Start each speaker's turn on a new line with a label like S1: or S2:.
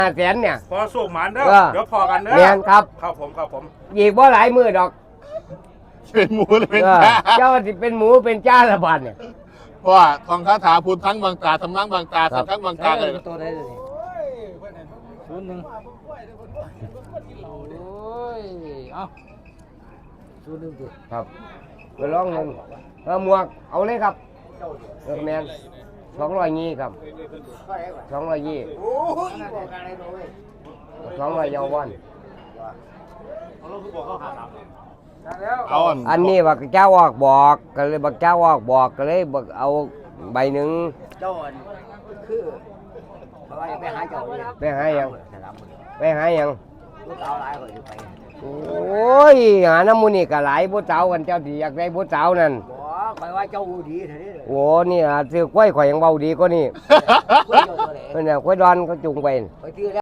S1: 500,000เนี่ย
S2: พอสูบหมันเด้อ
S1: เออ
S2: เดี๋ยวพอกันเด้อ
S1: แม่นครับ
S2: ครับผม
S1: อีกบ่หลายมือดอก
S3: เป็นหมูหรือเป็น
S1: เออ
S3: จ้า
S1: เจ้าสิเป็นหมูเป็นจ้าละบาดเนี่ย
S3: เพราะว่าทองคาถาพูดทั้งบางตาทำทั้งบางตาสัตว์ทั้งบางตาเลย
S4: ตัวได้เลย01โอ้ยเอา01ดิ
S1: ครับไปลองหนึ่งหมวกเอาเลยครับแมน220ครับ220 200เยาวัน
S3: เอา
S1: อันนี้บักเจ้าออกบอกก็เลยบักเจ้าออกบอกก็เลยบักเอาใบหนึ่ง
S4: เจ้าอันคือเพราะว่าไปหาเจ้าเนี่ย
S1: ไปหายัง
S4: สนามมือ
S1: ไปหายัง
S4: ลูกเอาหลายคนอยู่ไป
S1: โอ้ยหาน้ำมูนี่ก็หลายผู้สาวกันเจ้าที่อยากได้ผู้สาวนั่น
S4: บอกไปว่าเจ้าดีเท่านี้เลย
S1: โอ้นี่ซื้อกล้วยข่อยยังเบาดีกว่านี่
S4: กล้วยเจ้าตัวไหน
S1: เพิ่นน่ะกล้วยดอนเขาจุงไป
S4: ไปซื้อ